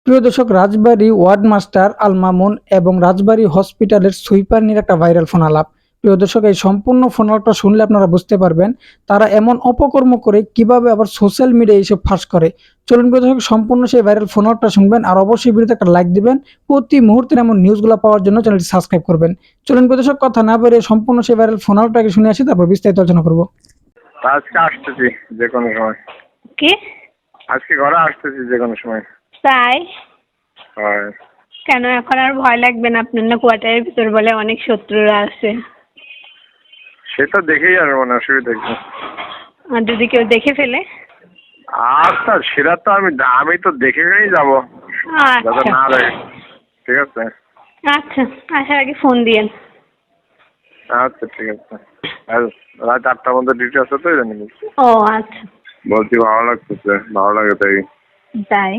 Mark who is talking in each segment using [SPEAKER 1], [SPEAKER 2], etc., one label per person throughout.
[SPEAKER 1] প্রিয় দর্শক, Rajbari ward master Al Mamun এবং রাজবাড়ী হসপিটালের সুইপার নিয়ে একটা ভাইরাল ফোন আলাপ। প্রিয় দর্শক, এই সম্পূর্ণ ফোন আলাপটা শুনলে আপনারা বুঝতে পারবেন তারা এমন অপকর্ম করে কিভাবে আবার সোশ্যাল মিডিয়ায় এইসব ফাঁস করে। চলুন প্রিয় দর্শক, সম্পূর্ণ সেই ভাইরাল ফোন আলাপটা শুনবেন আর অবশ্যই ভিডিওতে একটা লাইক দিবেন। প্রতি মুহূর্তে এমন নিউজগুলো পাওয়ার জন্য চ্যানেলটি সাবস্ক্রাইব করবেন। চলুন প্রিয় দর্শক, কথা না বেরিয়ে সম্পূর্ণ সেই ভাইরাল ফোন আলাপটাকে শুনে আসি, তারপর বিস্তারিত আলোচনা করবো।
[SPEAKER 2] আজকে আসতেছি যে কোনো সময়।
[SPEAKER 3] কি?
[SPEAKER 2] আজকে ঘরে আসতেছি যে কোনো সময়।
[SPEAKER 3] তাই?
[SPEAKER 2] হয়।
[SPEAKER 3] কেন এখন আর ভয় লাগবে না? আপনার না কোয়ার্টারের ভিতর বলে অনেক শত্রুরা আছে।
[SPEAKER 2] সেটা দেখেই আসবো না, অসুবিধা কি?
[SPEAKER 3] আর যদি কেউ দেখে ফেলে?
[SPEAKER 2] আচ্ছা, সেটা তো আমি তো দেখে গেই যাবো, যাতে
[SPEAKER 3] আচ্ছা
[SPEAKER 2] না দেখে। ঠিক আছে।
[SPEAKER 3] আচ্ছা, আসার আগে ফোন দিয়েন।
[SPEAKER 2] আচ্ছা ঠিক আছে। আর রাত 8টার মধ্যে ডিউটি আছে তো, জানি
[SPEAKER 3] ও আচ্ছা।
[SPEAKER 2] বলছি ভালো লাগতেছে, ভালো লাগে তাই।
[SPEAKER 3] তাই?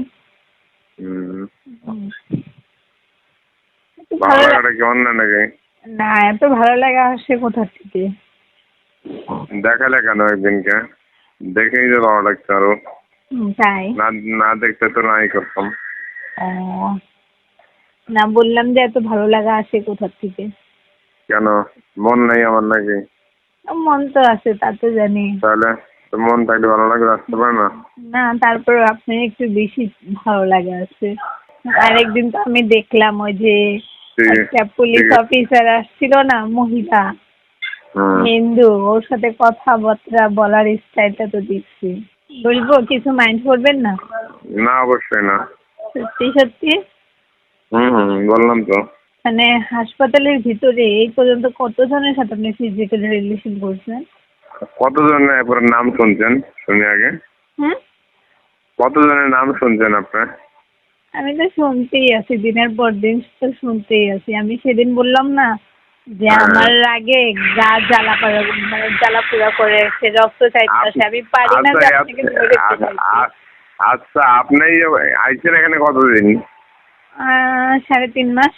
[SPEAKER 2] ভালো লাগাটা কেমন না নাকি?
[SPEAKER 3] না, এত ভালো লাগা আসে কোথা থেকে?
[SPEAKER 2] দেখালে কেন একদিনকে? দেখেই যে ভালো লাগছে আরো।
[SPEAKER 3] তাই?
[SPEAKER 2] না দেখতে তো নাই করতাম।
[SPEAKER 3] ও না, বললাম যে এত ভালো লাগা আসে কোথা থেকে?
[SPEAKER 2] কেন, মন নেই আমার নাকি?
[SPEAKER 3] মন তো আছে, তা তো জানি।
[SPEAKER 2] তাহলে তো মন থাকলে ভালো লাগে আসতে পারে না?
[SPEAKER 3] না, তারপর আপনার একটু বেশি ভালো লাগা আছে। আরেকদিন তো আমি দেখলাম ওই যে একটা পুলিশ অফিসার আসছিল না, মহিলা, হিন্দু, ওর সাথে কথাবার্তা বলার স্টাইলটা তো দেখছি। বলবো, কিছু মাইন্ড করবেন না?
[SPEAKER 2] না, অবশ্যই না।
[SPEAKER 3] সত্যি সত্যি
[SPEAKER 2] বললাম তো।
[SPEAKER 3] মানে হাসপাতালের ভিতরে এই পর্যন্ত কতজনের সাথে আপনি ফিজিক্যাল রিলেশন করছেন?
[SPEAKER 2] কতজনের এরপরে নাম শুনছেন শুনি আগে? কতজনের নাম শুনছেন আপনার?
[SPEAKER 3] আমি তো শুনতেই আছি, দিনের পর দিন তো শুনতেই আছি। আমি সেদিন বললাম না যে আমার আগে গা জ্বালাপোড়া করে, সে রক্ত চাইতেছে, আমি পারি না যে আপনাকে ধরে ফেলতে।
[SPEAKER 2] আচ্ছা, আপনি আইছেন এখানে কতদিন?
[SPEAKER 3] 3.5 মাস।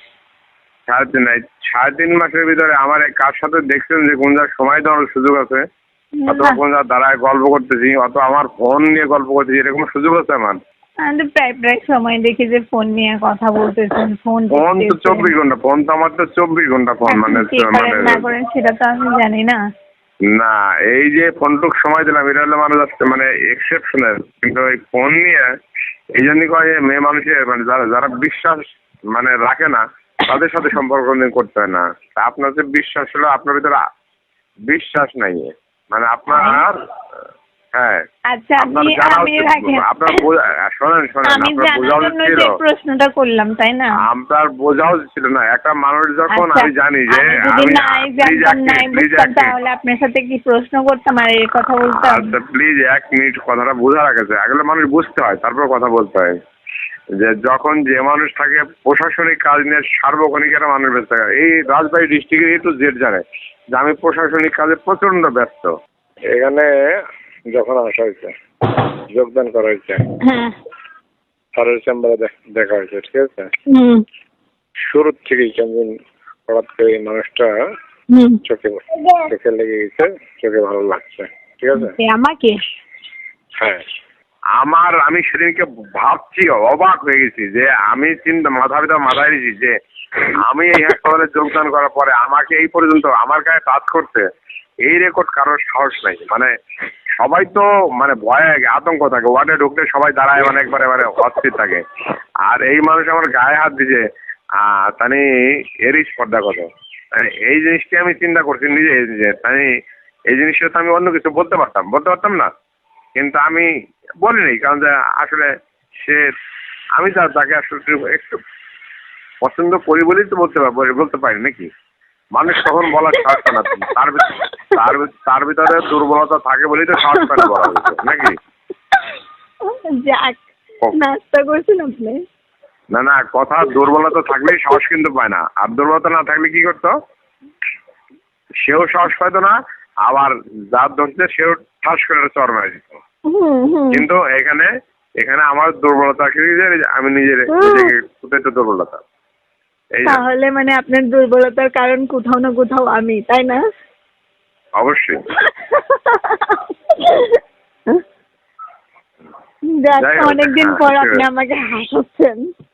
[SPEAKER 2] 3.5 মাসের ভিতরে আমার কার সাথে দেখছেন যে কোন যার সময় দেওয়ার সুযোগ আছে, অথবা কোন যার দাঁড়ায় গল্প করতেছি, অথবা আমার ফোন নিয়ে গল্প করতেছি, এরকম সুযোগ আছে আমার?
[SPEAKER 3] আমি তো প্রায় সময় দেখি যে ফোন নিয়ে কথা বলতেছেন। ফোন
[SPEAKER 2] তো 24 ঘন্টা ফোন, তো আমার তো 24 ঘন্টা ফোন। মানে
[SPEAKER 3] না করেন সেটা তো আমি জানি না।
[SPEAKER 2] না, এই যে ফোনটুক সময় দিলাম, এটা হলে মানুষ মানে এক্সেপশনাল। কিন্তু এই ফোন নিয়ে এই জন্যই কয় যে মেয়ে মানুষের মানে যারা বিশ্বাস মানে রাখে না, তাদের সাথে সম্পর্ক করতে হয় না। তা আপনার যে বিশ্বাস হলো, আপনার ভিতরে বিশ্বাস নাই, মানে আপনার হ্যাঁ।
[SPEAKER 3] আচ্ছা, প্রশ্নটা করলাম তাই না?
[SPEAKER 2] আপনার বোঝাও ছিল না একটা মানুষ যখন। আমি জানি যে
[SPEAKER 3] তাহলে আপনার সাথে কি প্রশ্ন করতাম আর এই কথা বলতাম?
[SPEAKER 2] আচ্ছা প্লিজ 1 মিনিট কথাটা বোঝা রাখেছে, এগুলো মানুষ বুঝতে হয়, তারপর কথা বলতে হয়। যে যখন যে মানুষ থাকে প্রশাসনিক কাজ নিয়ে, সার্বক্ষণিক একটা মানুষ ব্যস্ত থাকে। এই রাজবাড়ী ডিস্ট্রিক্টের একটু জেড জানে যে আমি প্রশাসনিক কাজে প্রচন্ড ব্যস্ত। এখানে যখন আসা হয়েছে, যোগদান করা হয়েছে, স্যারের চেম্বারে দেখা হয়েছে, ঠিক আছে? শুরুর থেকেই কেমন হঠাৎ করে এই মানুষটা চোখে লেগে গেছে, চোখে ভালো লাগছে, ঠিক আছে?
[SPEAKER 3] আমাকে?
[SPEAKER 2] হ্যাঁ, আমি সেদিনকে ভাবছি, অবাক হয়ে গেছি যে আমি মাথায় দিয়েছি যে আমি এই হাসপাতালে যোগদান করার পরে আমাকে এই পর্যন্ত আমার গায়ে টাচ করতে এই রেকর্ড কারোর সাহস নাই। মানে সবাই তো মানে ভয়ে আতঙ্ক থাকে, ওয়ার্ডে ঢুকলে সবাই দাঁড়ায়, মানে একবারে অস্থির থাকে। আর এই মানুষ আমার গায়ে হাত দিছে, তানি এরই স্পর্ধা কত। এই জিনিসটি আমি চিন্তা করছি নিজে, তাই এই জিনিসটা তো আমি অন্য কিছু বলতে পারতাম না, কিন্তু আমি বলিনি। কারণ যে আসলে আমি তাকে আসলে একটু পছন্দ করি বলেই তো বলতে পারি নাকি? মানুষ তখন বলার সাহস পায় না, তার ভিতরে দুর্বলতা থাকে বলেই তো সাহস পায় না বলা নাকি?
[SPEAKER 3] নাস্তা করছেন আপনি?
[SPEAKER 2] না, কথা দুর্বলতা থাকলেই সাহস কিন্তু পায় না। আর দুর্বলতা না থাকলে কি করতো? সেও সাহস পাইতো না, আবার যার ধরছে সেও ঠাস করে চর মারা দিত। কিন্তু এখানে আমার দুর্বলতা আমি নিজেকে একটু দুর্বলতা।
[SPEAKER 3] তাহলে মানে আপনার দুর্বলতার কারণ কোথাও না কোথাও আমি, তাই না?
[SPEAKER 2] অবশ্যই।
[SPEAKER 3] অনেকদিন পর আপনি আমাকে হাসাচ্ছেন।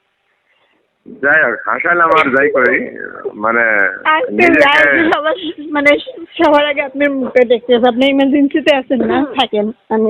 [SPEAKER 2] যাই হোক হাসালাম আর যাই করি মানে
[SPEAKER 3] আজকে
[SPEAKER 2] নিজেকে
[SPEAKER 3] সবার মানে সবার আগে আপনার মুখটা দেখতে হবে। আপনি ইমার্জেন্সিতে আছেন না, থাকেন, আমি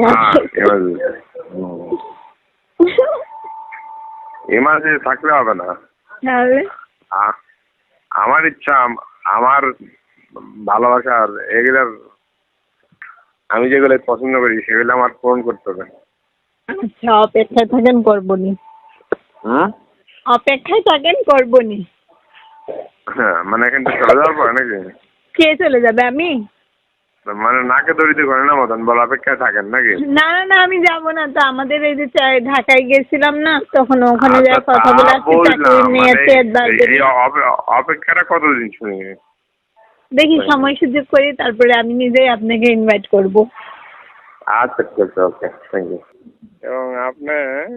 [SPEAKER 2] ইমার্জেন্সি থাকলে হবে না।
[SPEAKER 3] তাহলে
[SPEAKER 2] আমার ইচ্ছা আমার ভালোবাসার এগুলার আমি যেগুলো পছন্দ করি সেগুলো আমার পূরণ করতে হবে।
[SPEAKER 3] আচ্ছা, অপেক্ষায় থাকেন, করবনি। অপেক্ষায় থাকেন, করবনি।
[SPEAKER 2] হ্যাঁ মানে এখান থেকে চলে যাওয়ার পরে নাকি?
[SPEAKER 3] কে চলে যাবে? আমি?
[SPEAKER 2] মানে নাকে দড়িতে ঘরে না মতন বল অপেক্ষায় থাকেন নাকি?
[SPEAKER 3] না না না, আমি যাবো না তো। আমাদের এই যে ঢাকায় গেছিলাম না, তখন ওখানে যাই কথা বলে আসছি, চাকরি নিয়েছে।
[SPEAKER 2] এই অপেক্ষাটা কতদিন শুনি?
[SPEAKER 3] দেখি সময় সুযোগ করি, তারপরে আমি নিজেই আপনাকে ইনভাইট করব।
[SPEAKER 2] আচ্ছা ঠিক আছে, ওকে, থ্যাংক ইউ। এবং আপনি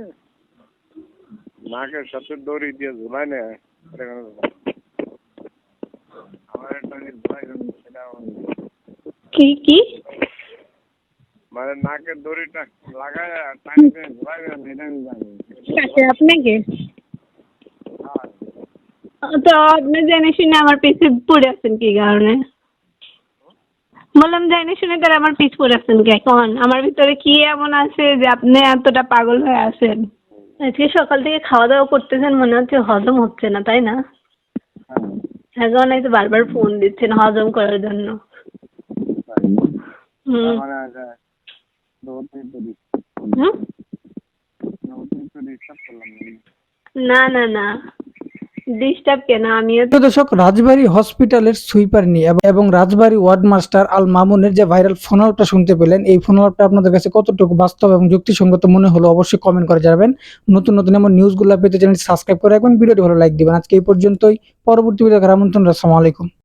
[SPEAKER 2] নাকের সাথে দড়ি দিয়ে ঝুলাই না আমার একটা ঝুলাই সেটা
[SPEAKER 3] কি কি
[SPEAKER 2] মানে নাকের দড়িটা লাগায় টানি দিয়ে ঝুলাইবেন এটা আমি জানি।
[SPEAKER 3] কাছে আপনাকে তো আপনি জেনে শুনে আমার পিছে পড়ে আছেন কি কারণে? বললাম জেনে শুনে তার আমার পিছ পড়ে আছেন কে? এখন আমার ভিতরে কি এমন আছে যে আপনি এতটা পাগল হয়ে আছেন? আজকে সকাল থেকে খাওয়া দাওয়া করতেছেন, মনে হচ্ছে হজম হচ্ছে না, তাই না? এখন এই তো বারবার ফোন দিচ্ছেন হজম করার জন্য। হুম হুম? না না না, ডিস্টার্ব কেন? আমিও
[SPEAKER 1] প্রিয় দর্শক, রাজবাড়ী হসপিটালের সুইপার নিয়ে এবং রাজবাড়ী ওয়ার্ড মাস্টার আল মামুনের যে ভাইরাল ফোন আলাপটা শুনতে পেলেন, এই ফোন আলাপটা আপনাদের কাছে কতটুকু বাস্তব এবং যুক্তিসঙ্গত মনে হলো অবশ্যই কমেন্ট করে জানাবেন। নতুন নতুন এমন নিউজগুলো পেতে চ্যানেলটি সাবস্ক্রাইব করে রাখবেন, ভিডিওটি ভালো লাইক দিবেন। আজকে এই পর্যন্তই, পরবর্তী ভিডিও দেখার আমন্ত্রণ। আসসালামু আলাইকুম।